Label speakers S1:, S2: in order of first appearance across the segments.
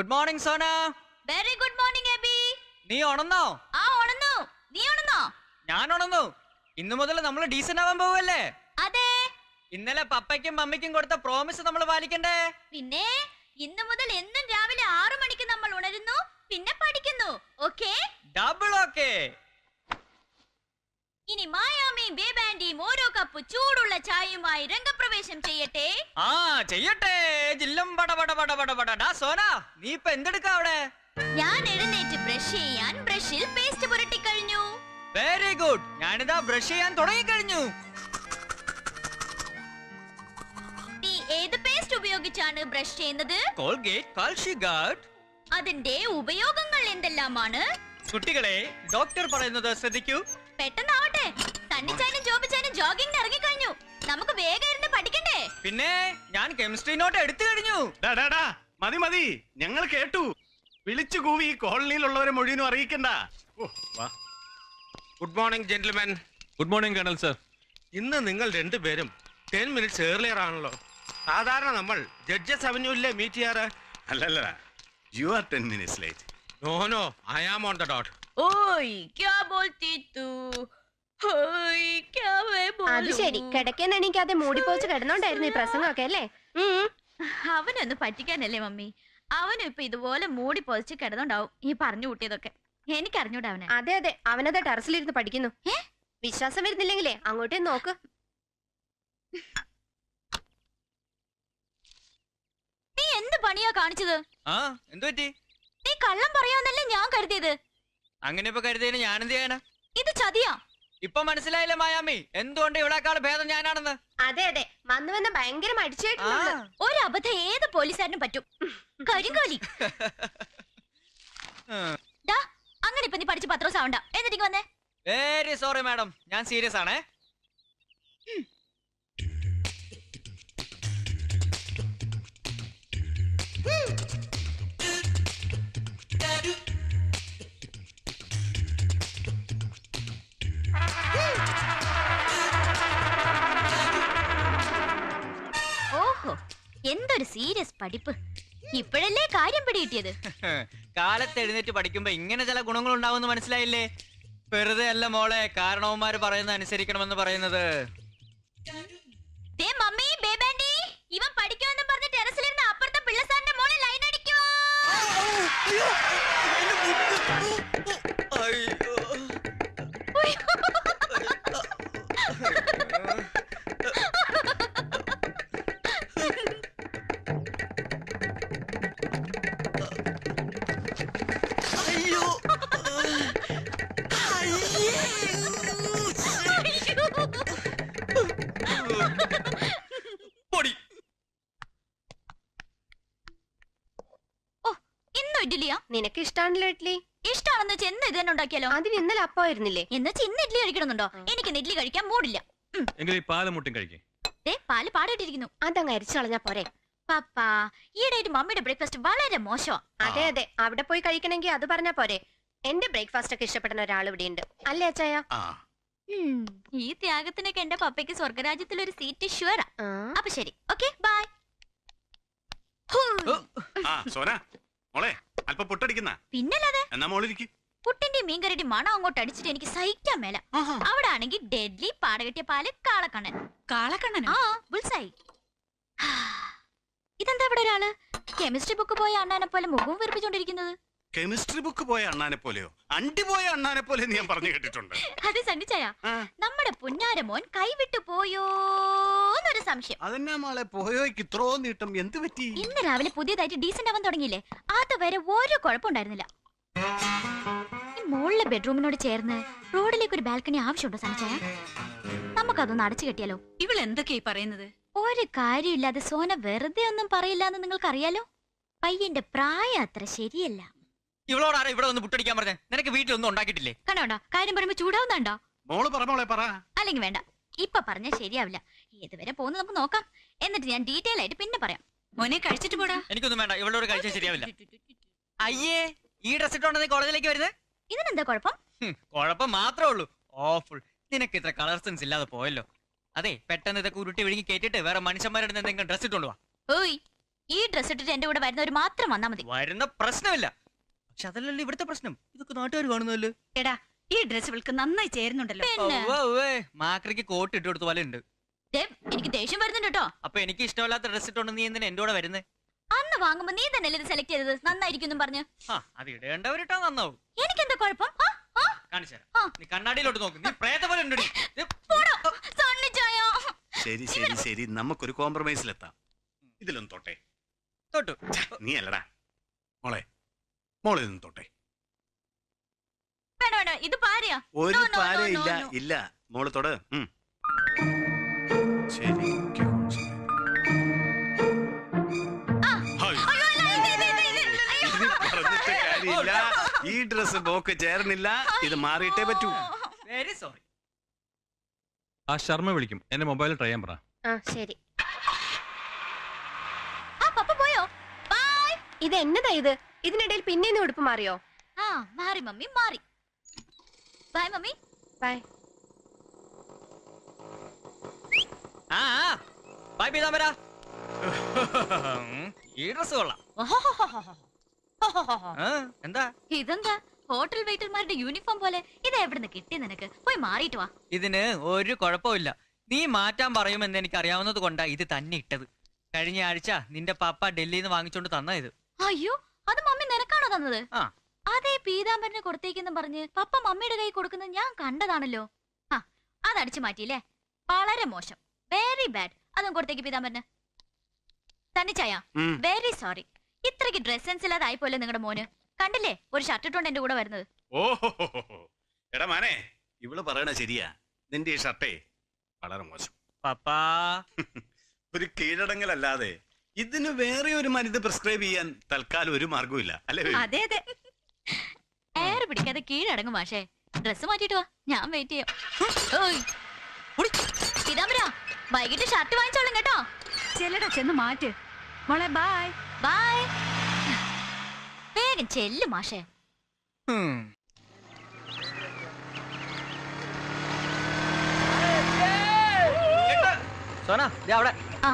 S1: Good morning Sona.
S2: Very good morning Eby.
S1: നീ ഉണന്നോ?
S2: ആ ഉണന്നു. നീ ഉണന്നോ?
S1: ഞാൻ ഉണന്നു. ഇന്നു മുതൽ നമ്മൾ ഡീസന്റ് ആവാൻ പോവല്ലേ?
S2: അതെ.
S1: ഇന്നലെ പപ്പയ്ക്കും മമ്മിക്കും കൊടുത്ത പ്രോമിസ് നമ്മൾ പാലിക്കണ്ടേ?
S2: പിന്നെ ഇന്നു മുതൽ എന്നും രാവിലെ 6 മണിക്ക് നമ്മൾ ഉണരുന്നു, പിന്നെ പഠിക്കുന്നു. ഓക്കേ?
S1: Double okay.
S2: ഇനി മായാമിയും ബേബാൻഡിയും ഓരോ കപ്പ് ചൂടുള്ള ചായയുമായി രംഗപ്രവേശം ചെയ്യട്ടെ.
S1: ആ ചെയ്യട്ടെ. ജില്ലം ബട ബട ബട ബട ബട. ഡാ സോന, നീ ഇപ്പൊ എന്തെടുക്കാ അവിടെ?
S2: ഞാൻ എഴുന്നേറ്റ് ബ്രഷ് ചെയ്യാൻ ബ്രഷിൽ പേസ്റ്റ് പുരട്ടി കഴിഞ്ഞു.
S1: Very good. ഞാനിതാ ബ്രഷ് ചെയ്യാൻ തുടങ്ങി കഴിഞ്ഞു.
S2: നീ ഏത് പേസ്റ്റ് ഉപയോഗിച്ചാണ് ബ്രഷ് ചെയ്യുന്നത്?
S1: Colgate calci guard.
S2: അതിന്റെ ഉപയോഗങ്ങൾ എന്തെല്ലാമാണ്?
S1: കുട്ടികളെ, ഡോക്ടർ പറയുന്നത് ശ്രദ്ധിക്കൂ.
S2: പെട്ടെന്നാവട്ടെ. സണ്ണിച്ചാനും ജോബിച്ചാനും ജോഗിങ്ങിന് ഇറങ്ങിക്കഴിഞ്ഞു. നമുക്ക് വേഗം ഇരുന്ന് പഠിക്കണ്ടേ?
S1: പിന്നെ ഞാൻ കെമിസ്ട്രി നോട്ട് എടുത്തു കഴിഞ്ഞു.
S3: മതി മതി, ഞങ്ങൾ കേട്ടു. വിളിച്ചു കൂവി കോളനിയിലുള്ളവരെ മുഴുവനും അറിയിക്കണ്ട.
S4: Good morning gentleman.
S5: Good morning colonel sir.
S4: ഇന്ന് നിങ്ങൾ രണ്ടുപേരും 10 മിനിറ്റ്സ് ഏർലിയർ ആണല്ലോ. സാധാരണ നമ്മൾ ജഡ്ജസ് അവന്യൂല്ലേ മീറ്റ് ചെയ്യാറ്?
S3: അല്ലല്ല, you are 10 minutes late.
S4: No I am on the dot.
S2: ഓയ് ക്യാ ബോൾത്തി തൂ? ഓയ് ക്യാ വേ ബോലൂ?
S6: അത് ശരി, കിടക്കാൻ എണീക്കാതെ മൂടിപ്പോച്ച് കിടന്നോണ്ടായിരുന്നു ഈ പ്രസംഗമൊക്കെ അല്ലേ?
S2: അവനൊന്ന് പറ്റിക്കാനല്ലേ മമ്മി. അവനും ഇപ്പൊ ഇതുപോലെ മൂടി പൊതിച്ച് കിടന്നുണ്ടാവും ഈ പറഞ്ഞു കൂട്ടിയതൊക്കെ. എനിക്ക് അറിഞ്ഞൂടാ അവനെ.
S6: അതെ അതെ, അവനത് ടെറസിലിരുന്ന് പഠിക്കുന്നു. വിശ്വാസം വരുന്നില്ലെങ്കിലേ അങ്ങോട്ടേ നോക്ക്.
S2: നീ എന്ത് പണിയാ കാണിച്ചത്?
S1: ആ എന്തു പറ്റി?
S2: നീ കള്ളം പറയാന്നല്ലേ ഞാൻ കരുതിയത്.
S1: അങ്ങനെ ഇപ്പൊ കരുതിയതിന് ഞാൻ എന്ത് ചെയ്യാനാ?
S2: ഇത് ചതിയാ.
S1: ഇപ്പൊ മനസ്സിലായില്ലേ മായാമി, എന്തുകൊണ്ട് ഇവിടെക്കാൾ ഭേദം ഞാനാണെന്ന്?
S6: അതെ അതെ, വന്ന് വന്ന് ഭയങ്കര മടിച്ചായിട്ടുണ്ട്.
S2: ഒരു അബദ്ധം ഏത് പോലീസുകാരനും പറ്റും. കരിങ്കോലി. ദാ, അങ്ങനെ ഇപ്പൊ നീ പഠിച്ച് പത്രോസ് ആവണ്ട. എന്നിട്ട് വന്നേ.
S1: വെരി സോറി മാഡം, ഞാൻ സീരിയസ് ആണേ.
S2: ഓഹോ, എന്തൊരു സീരിയസ് പഠിപ്പ്. ഇപ്പോഴല്ലേ കാര്യം പിടികിട്ടിയത്.
S1: കാലത്ത് എഴുന്നേറ്റ് പഠിക്കുമ്പോ ഇങ്ങനെ ചില ഗുണങ്ങൾ ഉണ്ടാവുമെന്ന് മനസ്സിലായില്ലേ? വെറുതെ അല്ല മോളെ കാരണവന്മാര് പറയുന്നത് അനുസരിക്കണമെന്ന് പറയുന്നത്.
S2: ദേ മമ്മി, ബേബാൻഡി, ഇവൻ പഠിക്കുമെന്ന് പറഞ്ഞ് ടെറസിലിരുന്ന് അപ്പുറത്തെ പിള്ളസാറിന്റെ മോളിൽ ലൈൻ അടിക്കുവോ?
S6: നിനക്ക് ഇഷ്ടാണല്ലോ ഇഡ്ലി.
S2: ഇഷ്ടാണെന്ന് വെച്ച് എന്ന് ഇത് തന്നെ ഉണ്ടാക്കിയാലോ?
S6: അതിന് ഇന്നലെ അപ്പമായിരുന്നില്ലേ?
S2: എന്ന് വെച്ച് ഇന്ന് ഇഡ്ലി കഴിക്കണമെന്നുണ്ടോ? എനിക്ക് ഇഡ്ലി കഴിക്കാൻ മൂടില്ല.
S5: എങ്കിൽ ഈ പാലും മുട്ടും കഴിക്കേ.
S2: പാല് പാടിയിട്ടിരിക്കുന്നു.
S6: അതങ്ങ് അരിച്ചു കളഞ്ഞാ പോരെ?
S2: പപ്പാ, ഈയിടെയായിട്ട് മമ്മിയുടെ ബ്രേക്ക്ഫാസ്റ്റ് വളരെ മോശമാ.
S6: അതെ അതെ, അവിടെ പോയി കഴിക്കണമെങ്കിൽ അത് പറഞ്ഞാ പോരെ? എന്റെ ബ്രേക്ക്ഫാസ്റ്റ് ഒക്കെ ഇഷ്ടപ്പെടുന്ന ഒരാൾ ഇവിടെ ഉണ്ട് അല്ലേ അച്ചായ?
S2: ഈ ത്യാഗത്തിനൊക്കെ എന്റെ പപ്പയ്ക്ക് സ്വർഗരാജ്യത്തിൽ ഒരു സീറ്റ് ഷുവറാ. അപ്പൊ ശരി, ഓക്കെ ബൈ.
S3: സോന മോളെ, അല്പം പൊട്ടടിക്കുന്ന.
S2: പിന്നല്ലാതെ
S3: എന്നാ മോളിരിക്കും.
S2: പുട്ടിന്റെ മീൻകറിയുടെ മണം അങ്ങോട്ട് അടിച്ചിട്ട് എനിക്ക് സഹിക്കാൻ മേല. അവിടെ ആണെങ്കിൽ ഡെഡ്ലി പാടകെട്ടിയ പാല് കാളക്കണ്ണൻ. കാളക്കണ്ണൻ? ആ, ബുൾസായി. ഇതെന്താ ഇവിടെ ഒരാള് കെമിസ്ട്രി ബുക്ക് പോയ അണ്ണാനെ പോലെ മുഖവും വീർപ്പിച്ചോണ്ടിരിക്കുന്നത്?
S3: കെമിസ്ട്രി ബുക്ക് പോയ അണ്ണാനെ പോലെയോ അണ്ടി പോയ അണ്ണാനെ പോലെ ഞാൻ പറഞ്ഞു കേട്ടിട്ടുണ്ട്.
S2: അത് സണ്ണിച്ചായ, നമ്മുടെ പുന്നാരമോൻ കൈവിട്ടു പോയോന്നൊരു സംശയം.
S3: അതെന്നാ മോളെ പോയോയ്ക്ക് ഇത്രോ നീട്ടം എന്ത് പറ്റി?
S2: ഇന്ന് രാവിലെ പുതിയതായിട്ട് ഡീസന്റ് ആവാൻ തുടങ്ങിയില്ലേ, അതുവരെ ഒരു കുഴപ്പമുണ്ടായിരുന്നില്ല. ഈ മുകളിലെ ബെഡ്റൂമിനോട് ചേർന്ന് റോഡിലേക്ക് ഒരു ബാൽക്കണി ആവശ്യമുണ്ടോ സണ്ണിച്ചായ? നമുക്കതൊന്ന് അടച്ചു കെട്ടിയാലോ?
S7: ഇവൾ എന്തൊക്കെയായി പറയുന്നത്?
S2: ഒരു കാര്യമില്ലാതെ സോന വെറുതെ ഒന്നും പറയില്ല എന്ന് നിങ്ങൾക്കറിയാലോ. പയ്യന്റെ പ്രായം അത്ര ശരിയല്ല.
S1: ഇവളോടാരാ ഇവിടെ ഒന്ന് പുട്ടടിക്കാൻ പറഞ്ഞേ? നിനക്ക് വീട്ടിലൊന്നും ഉണ്ടാക്കിയിട്ടില്ലേ?
S2: കണ്ടോണ്ടാ, കാര്യം പറയുമ്പോ ചൂടാവുന്നുണ്ടോ?
S3: മോള് പറ മോളെ പറ.
S2: അല്ലെങ്കിൽ വേണ്ട, ഇപ്പൊ പറഞ്ഞാൽ ശരിയാവില്ല. ഏതുവരെ പോകുന്നു നമുക്ക് നോക്കാം, എന്നിട്ട് ഞാൻ ഡീറ്റെയിൽ ആയിട്ട് പിന്നെ പറയാം.
S7: മോനെ കഴിച്ചിട്ട് പോടാ.
S1: എനിക്കൊന്നും വേണ്ട, ഇവളോട് കഴിച്ചാൽ ശരിയാവില്ല. അയ്യേ, ഈ ഡ്രസ് ഇട്ടോണ്ട് നീ കോളേജിലേക്ക് വരുന്നത്?
S2: ഇതിനെന്താ കുഴപ്പം?
S1: കുഴപ്പം മാത്രമേ ഉള്ളൂ. ഓഫുൾ. നിനക്ക് ഇത്ര കളർ സെൻസ് ഇല്ലാതെ പോയല്ലോ. അതെ, പെട്ടെന്ന് ഇതൊക്കെ ഉരുട്ടി വിഴുങ്ങി കേട്ടിട്ട് വേറെ മനുഷ്യന്മാരുടെ എന്തെങ്കിലും ഡ്രസ് ഇട്ടോണ്ട് വാ.
S2: ഓയ്, ഈ ഡ്രസ് ഇട്ടിട്ട് എന്റെ കൂടെ വരുന്നവർ മാത്രം വന്നാ മതി.
S1: വരുന്ന പ്രശ്നമില്ല. പക്ഷെ അതല്ലല്ലോ ഇവിടുത്തെ പ്രശ്നം. ഇതൊക്കെ നാട്ടുകാർ കാണുന്നല്ലോ.
S7: എടാ ഈ ഡ്രസ് ഇവൾക്ക് നന്നായി ചേരുന്നുണ്ടല്ലോ.
S2: പിന്നെ
S1: മാക്രിക്ക് കോട്ട് ഇട്ട് കൊടുത്ത പോലെ ഉണ്ട്.
S2: ദേ, എനിക്ക് ദേഷ്യം വരുന്നുണ്ട് കേട്ടോ.
S1: അപ്പൊ എനിക്ക് ഇഷ്ടമല്ലാത്ത ഡ്രസ് ഇട്ടോണ്ട് നീ എന്തിനാ എന്റെ കൂടെ വരുന്നേ?
S2: അന്ന് വാങ്ങുമ്പോ നീ തന്നെ ഇത് സെലക്ട് ചെയ്തത്, നന്നായിരിക്കും പറഞ്ഞു.
S1: അത് ഇടേണ്ടവരിട്ടാ നന്നാവും.
S2: എനിക്കെന്താ കുഴപ്പം?
S1: കാണിച്ചുതരാം. നീ കണ്ണാടിയിലോട്ട് നോക്ക്. നീ പ്രേത പോലെ ഉണ്ട്.
S3: ശരി ശരി ശരി, നമുക്കൊരു കോംപ്രമൈസിലെത്താം. ഇതിലൊന്നും തൊട്ടെ.
S1: തൊട്ടു.
S3: നീ അല്ലടാ മോളെ, മോളെ നിന്ന് തൊട്ടെ.
S2: വേണ്ട വേണ്ട, ഇത് പാരയാ.
S3: ഒരു
S2: No, no,
S3: പാര
S2: no, no,
S3: ഇല്ല
S2: no.
S3: ഇല്ല, മോള് തൊട്. ശരി.
S2: അയ്യോ, അല്ല,
S3: ഇത് പറഞ്ഞിട്ട് കാര്യമില്ല. ഈ ഡ്രസ് മോക്ക് ചേർന്നില്ല. ഇത് മാറിയിട്ടേ പറ്റൂ.
S1: Very sorry.
S5: ആ ശർമ്മ വിളിക്കും. എന്റെ മൊബൈലിൽ ട്രൈ ചെയ്യാൻ പറ.
S6: ആ ശരി.
S2: ആ പപ്പ പോയോ? ബൈ.
S6: ഇത് എന്നതാ ഇത്? ഇതിനിടയിൽ പിന്നെ ഉടുപ്പ് മാറിയോ?
S2: ആ മാറി മമ്മി, മാറി. Bye mummy.
S6: Bye.
S1: Bye Peethambara. ഈ ഡ്രസ് കൊള്ളാം. എന്താ
S2: ഇതെന്താ ഹോട്ടൽ വെയിറ്റർമാരുടെ യൂണിഫോം പോലെ? ഇത് എവിടുന്ന് കിട്ടി നിനക്ക്? പോയി മാറിയിട്ട് വാ.
S1: ഇതിന് ഒരു കുഴപ്പമില്ല. നീ മാറ്റാൻ പറയുമെന്ന് എനിക്ക് അറിയാവുന്നത് കൊണ്ടാ ഇത് തന്നെ ഇട്ടത്. കഴിഞ്ഞ ആഴ്ച നിന്റെ പപ്പ ഡൽഹിയിൽ നിന്ന് വാങ്ങിച്ചോണ്ട് തന്ന ഇത്.
S2: അയ്യോ, അത് മമ്മി നിനക്കാണോ തന്നത്?
S1: ആ.
S2: അതേ പീതാംബരനെ കൊടുത്തേക്കെന്ന് പറഞ്ഞ് പപ്പ മമ്മിയുടെ കൈ കൊടുക്കുന്നത് ഞാൻ കണ്ടതാണല്ലോ. ആ, അതടിച്ചു മാറ്റിയില്ലേ? വളരെ മോശം. Very bad. അതും കൊടുത്തേക്ക് പീതാംബരന്. തന്നിച്ചായ വെരി സോറി. ഇത്രയ്ക്ക് ഡ്രസ് സെൻസ് ഇല്ലാതായി പോലെ നിങ്ങളുടെ മോന്. കണ്ടില്ലേ ഒരു ഷർട്ട് ഇട്ടോണ്ട് എന്റെ കൂടെ വരുന്നത്.
S3: ഓഹോ, എടാ മാനെ, ഇവള് പറയണ ശരിയാ. നിന്റെ ഈ ഷർട്ടേ വളരെ മോശം.
S1: പപ്പാ
S3: ഒരു കീഴടങ്ങലല്ലാതെ ഇതിന് വേറെ ഒരു മരുന്ന് പ്രിസ്ക്രൈബ് ചെയ്യാൻ തൽക്കാലം ഒരു മാർഗവും ഇല്ല, അല്ലേ?
S7: അതെ അതെ.
S2: എയർ പിടിക്കാതെ കീഴടങ്ങും മാഷേ. ഡ്രസ് മാറ്റിട്ട് വാ, ഞാൻ വെയിറ്റ് ചെയ്യാം. പീതാംബര, വൈകിട്ട് ഷർട്ട് വാങ്ങിച്ചോളും കേട്ടോ.
S7: ചെല്ലടാ, ചെന്ന് മാറ്റ് മോളെ. Bye
S2: bye. വേഗം ചെല്ലു മാഷേ.
S1: സോന അവിടെ.
S2: ആ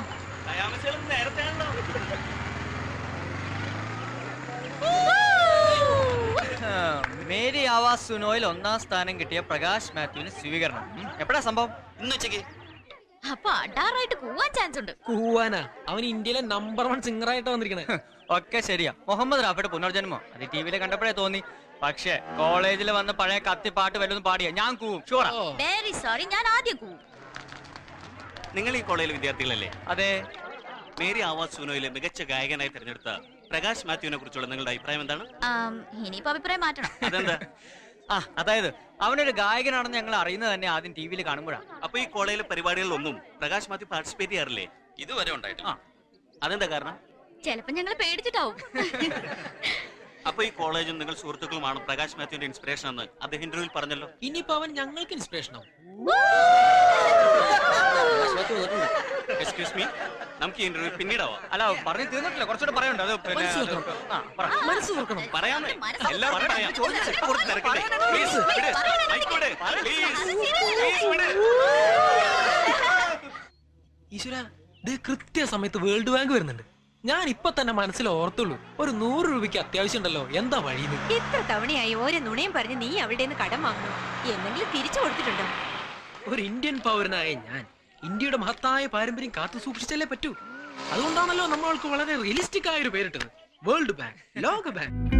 S1: മേരി ആവാസ് സുനോയിൽ 1ാം സ്ഥാനം കിട്ടിയ പ്രകാശ് മാത്യുവിന് സ്വീകരണം. എപ്പോഴാ സംഭവം?
S8: ഇന്ന് ഉച്ചക്ക്.
S2: അപ്പൊ അടാറായിട്ട് കൂവാൻ ചാൻസ് ഉണ്ട്.
S9: കൂവാനാ? അവൻ ഇന്ത്യയിലെ നമ്പർ 1 സിംഗർ ആയിട്ട് വന്നിരിക്കണേ.
S1: ഒക്കെ ശരിയാ. മുഹമ്മദ് റാഫിയുടെ പുനർജന്മം അത് ടിവിയിൽ കണ്ടപ്പോഴേ തോന്നി. പക്ഷെ കോളേജിൽ വന്ന് പഴയ കത്തി പാട്ട് വല്ലതും പാടിയ ഞാൻ കൂവും. ഷുവറാ.
S2: വെരി സോറി, ഞാൻ ആദ്യം കൂവും.
S8: നിങ്ങൾ ഈ കോളേജിലെ വിദ്യാർത്ഥികളല്ലേ?
S1: അതെ.
S8: മേരി ആവാസ് സുനോയിലെ മികച്ച ഗായകനായി തിരഞ്ഞെടുത്ത പ്രകാശ് മാത്യുവിനെ കുറിച്ചുള്ള നിങ്ങളുടെ അഭിപ്രായം എന്താണ്?
S2: ഇനിയിപ്പോ അഭിപ്രായം മാറ്റണം.
S8: അതെന്താ?
S1: അതായത് അവനൊരു ഗായകനാണെന്ന് ഞങ്ങൾ അറിയുന്നത് തന്നെ ആദ്യം ടിവിയിൽ കാണുമ്പോഴാണ്.
S8: അപ്പൊ ഈ കോളേജിലെ പരിപാടികളിലൊന്നും പ്രകാശ് മാത്യു പാർട്ടിസിപ്പേറ്റ് ചെയ്യാറില്ലേ? ഇതുവരെ ഉണ്ടായിട്ടില്ല. അതെന്താ കാരണം?
S2: ചിലപ്പോ ഞങ്ങൾ പേടിച്ചിട്ടാവും.
S8: അപ്പൊ ഈ കോളേജും നിങ്ങൾ സുഹൃത്തുക്കളുമാണ് പ്രകാശ് മാത്യുവിന്റെ ഇൻസ്പിറേഷൻ എന്ന് അദ്ദേഹം ഇന്റർവ്യൂവിൽ പറഞ്ഞല്ലോ.
S9: ഇനിയിപ്പോ അവൻ ഞങ്ങൾക്ക് ഇൻസ്പിറേഷനോ?
S8: എക്സ്ക്യൂസ് മീ, നമുക്ക് ഈ ഇന്റർവ്യൂ പിന്നീടാവാം.
S1: അല്ല, പറഞ്ഞു തീർന്നിട്ടില്ല. കുറച്ചുകൂടെ പറയണ്ട. അത്
S9: മനസ്സ് തുറക്കണം.
S8: പറയാമേ, എല്ലാവർക്കും പറയാം. Please, വിട്. Mic വിട്. Please, വിട്.
S9: ഈശ്വര, ഇത് കൃത്യസമയത്ത് വേൾഡ് ബാങ്ക് വരുന്നുണ്ട്. ഞാൻ ഇപ്പൊ തന്നെ മനസ്സിൽ ഓർത്തുള്ളൂ, ഒരു 100 രൂപയ്ക്ക് അത്യാവശ്യം ഉണ്ടല്ലോ. എന്താ വഴിയത്?
S7: ഇത്ര തവണയായി ഓരോ നുണയും പറഞ്ഞ് നീ അവളുടെ നിന്ന് കടം വാങ്ങണം. എന്തെങ്കിലും തിരിച്ചു കൊടുത്തിട്ടുണ്ടോ?
S9: ഒരു ഇന്ത്യൻ പൗരനായ ഞാൻ ഇന്ത്യയുടെ മഹത്തായ പാരമ്പര്യം കാത്തു സൂക്ഷിച്ചല്ലേ പറ്റൂ. അതുകൊണ്ടാണല്ലോ നമ്മൾക്ക് വളരെ റിയലിസ്റ്റിക് ആയ ഒരു പേരിട്ടത്, വേൾഡ് ബാങ്ക്, ലോക ബാങ്ക്.